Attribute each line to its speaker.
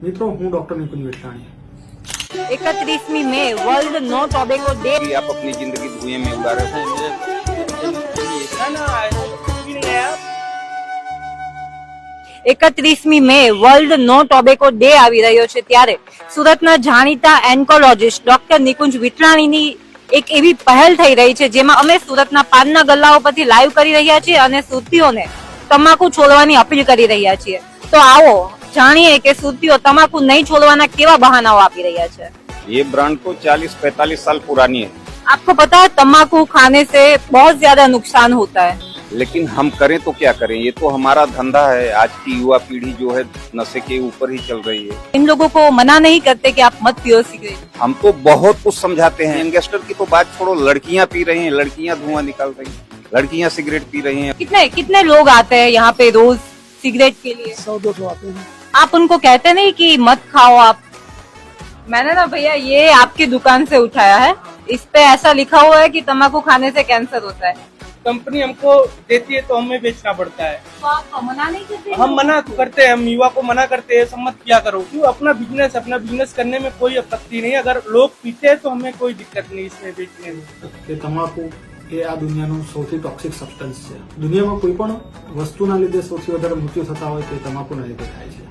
Speaker 1: મિત્રો હું ડોક્ટર નિકુંજ વિઠલાણી
Speaker 2: 31મી મે વર્લ્ડ નો ટોબેકો डे।
Speaker 3: आप अपनी जिंदगी धुएं में उड़ा रहे हैं।
Speaker 2: 31મી મે વર્લ્ડ નો ટોબેકો ડે આવી રહ્યો છે ત્યારે સુરતના જાણીતા એન્કોલોજીસ્ટ ડોક્ટર નિકુંજ વિઠલાણીની એક એવી પહેલ થઈ રહી છે જેમાં અમે સુરતના પાનના ગલ્લાઓ પરથી લાઈવ કરી રહ્યા છીએ અને સુરતીઓને તમાકુ છોડવાની અપીલ કરી રહ્યા છીએ। તો આવો જાણીએ કે સુરતીઓ તમાકુ નહીં છોડવાના કેવા બહાનાઓ આપી રહ્યા છે।
Speaker 3: ये ब्रांड तो 40-45 साल पुरानी है,
Speaker 2: आपको पता है तम्बाकू खाने से बहुत ज्यादा नुकसान होता है,
Speaker 3: लेकिन हम करें तो क्या करें। ये तो हमारा धंधा है। आज की युवा पीढ़ी जो है नशे के ऊपर ही चल रही है।
Speaker 2: इन लोगों को मना नहीं करते कि आप मत पियो सिगरेट।
Speaker 3: हम तो बहुत कुछ समझाते हैं। यंगस्टर की तो बात छोड़ो, लड़कियां पी रही हैं, लड़कियां धुआं निकाल रही हैं, लड़कियां सिगरेट पी रही हैं।
Speaker 2: कितने कितने लोग आते हैं यहाँ पे रोज सिगरेट के लिए?
Speaker 1: 100-200 आते हैं।
Speaker 2: आप उनको कहते नहीं कि मत खाओ आप? मैंने ना भैया ये आपकी दुकान से उठाया है, इस पे ऐसा लिखा हुआ है कि तम्बाकू खाने से कैंसर होता है।
Speaker 4: कंपनी हमको देती है तो हमें बेचना पड़ता है।
Speaker 2: तो आप मना नहीं करते?
Speaker 4: हम मना तो करते हैं, हम युवा को मना करते हैं, सम्मत किया करो। क्यों, अपना बिजनेस करने में कोई आपत्ति नहीं। अगर लोग पीते हैं तो हमें कोई दिक्कत नहीं इसमें बेचने में।
Speaker 1: કે તમાકુ એ આ દુનિયાનું સૌથી ટોક્સિક સબસ્ટન્સ છે। દુનિયામાં કોઈ પણ વસ્તુના લીધે સૌથી વધારે મૃત્યુ થતા હોય તો એ તમાકુના લીધે થાય છે।